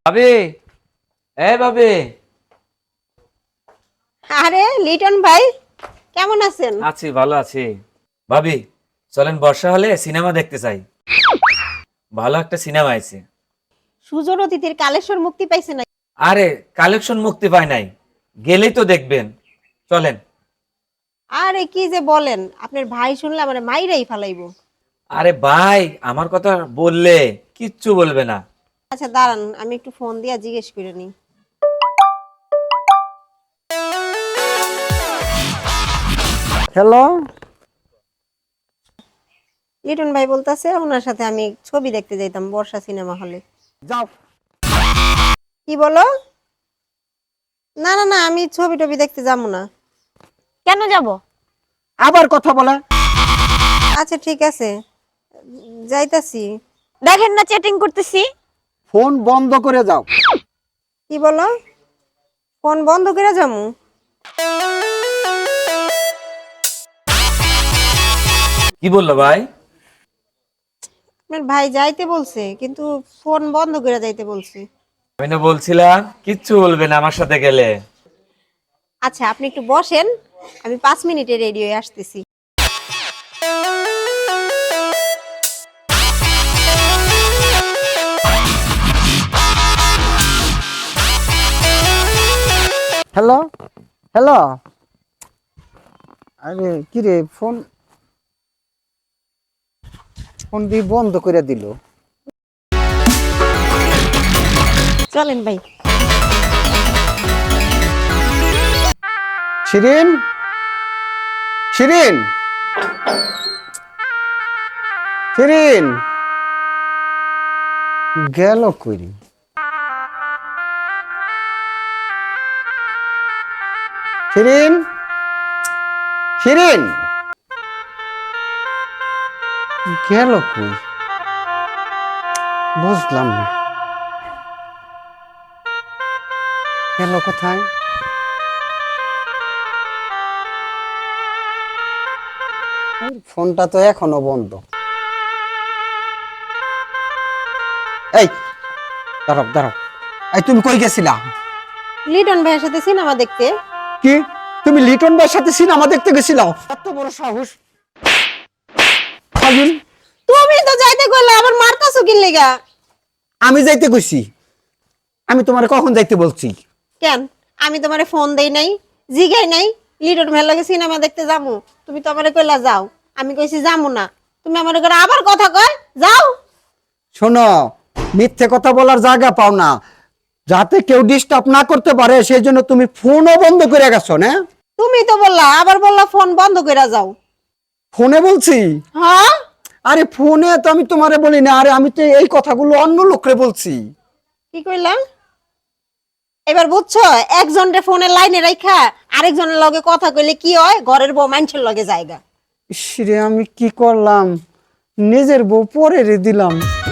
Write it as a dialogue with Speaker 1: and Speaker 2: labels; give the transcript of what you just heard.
Speaker 1: ভাবি, ভাবি।
Speaker 2: আরে লিটন ভাই, কেমন আছেন?
Speaker 1: আছি, ভালো আছি। ভাবি, চলেন বর্ষা হলে সিনেমা দেখতে চাই। ভালো একটা সিনেমা আছে।
Speaker 2: সুজন অতিথির কালেশ্বর মুক্তি পাইছে না?
Speaker 1: আরে, কালেকশন মুক্তি পায় নাই, গেলেই তো দেখবেন। চলেন।
Speaker 2: আরে কি যে বলেন, আপনার ভাই শুনলে আমার মাইরাই ফালাইবো।
Speaker 1: আরে ভাই, আমার কথা বললে কিচ্ছু বলবে না।
Speaker 2: আচ্ছা দাঁড়ান, আমি একটু ফোন দিয়া জিজ্ঞেস করে নিই।
Speaker 3: হ্যালো।
Speaker 2: লিটন ভাই বলতাছে ওনার সাথে আমি ছবি দেখতে যাইতাম বর্ষা সিনেমা হলে।
Speaker 3: যাও।
Speaker 2: কি বলো? না না না, আমি ছবি টবি দেখতে যাবো না।
Speaker 4: কেন যাব?
Speaker 3: আবার কথা বলে।
Speaker 2: আচ্ছা ঠিক আছে, যাইতাছি।
Speaker 4: দেখেন না চ্যাটিং করতেছি।
Speaker 3: ফোন বন্ধ করে যাও।
Speaker 2: কি বলো? ফোন বন্ধ করে যাবো?
Speaker 1: কি বললো ভাই?
Speaker 2: আপনার ভাই যাইতে বলছে, কিন্তু ফোন বন্ধ করে যাইতে বলছে।
Speaker 1: আমি না বলছিলাম কিচ্ছু বলবে না আমার সাথে গেলে।
Speaker 2: আচ্ছা আপনি একটু বসেন, আমি 5 মিনিটে রেডি হয়ে আসতেছি।
Speaker 3: Hello hello. আরে কি রে, ফোন ফোন দিয়ে বন্ধ করে দিল।
Speaker 2: চলেন ভাই।
Speaker 3: শিরিন, শিরিন, শিরিন গেল কই? শিরিন, শিরিন গেল কই? বুঝলাম না, গেল কোথায়? ফোনটা তো এখনো বন্ধ। এই দাঁড়াও দাঁড়াও, এই তুমি কই গেছিলা?
Speaker 2: লিটন ভাইয়ের সাথে সিনেমা দেখতে।
Speaker 3: কি, তুমি লিটন ভাইয়ের সাথে সিনেমা দেখতে গেছিলা? এত বড় সাহস! ফাজিল!
Speaker 2: তুমি তো যাইতে কইলে আবার মারতাছো কি লাগা?
Speaker 3: আমি যাইতে কইছি? আমি তোমারে কখন যাইতে বলছি?
Speaker 2: কেন আমি তোমারে ফোন দেই নাই, জিগাই নাই লিটন ভাইয়ের লগে সিনেমা দেখতে যামু? তুমি তো আমারে কইলা যাও, আমি কইছি যামু না। তুমি আমারে করে আবার কথা কয় যাও।
Speaker 3: শোনো, মিথ্যে কথা বলার জায়গা পাও না, যাতে কেউ ডিস্টার্ব না করতে পারে সেই জন্য তুমি ফোনও বন্ধ করে গেছো না?
Speaker 2: তুমি তো বললা, আবার বললা ফোন বন্ধ কইরা যাও।
Speaker 3: ফোনে বলছি?
Speaker 2: হ্যাঁ,
Speaker 3: আরে ফোনে তো আমি তোমারে বলি না, আরে আমি তো এই কথাগুলো অন্য লোকরে বলছি।
Speaker 2: কি কইলা? এবার বুঝছো, একজনের ফোনের লাইনে রাইখা আরেকজনের লগে কথা কইলে কি হয়, ঘরের বউ মানুষের লগে জায়গা।
Speaker 3: ইস রে, আমি কি করলাম, নিজের বউ পরে রে দিলাম।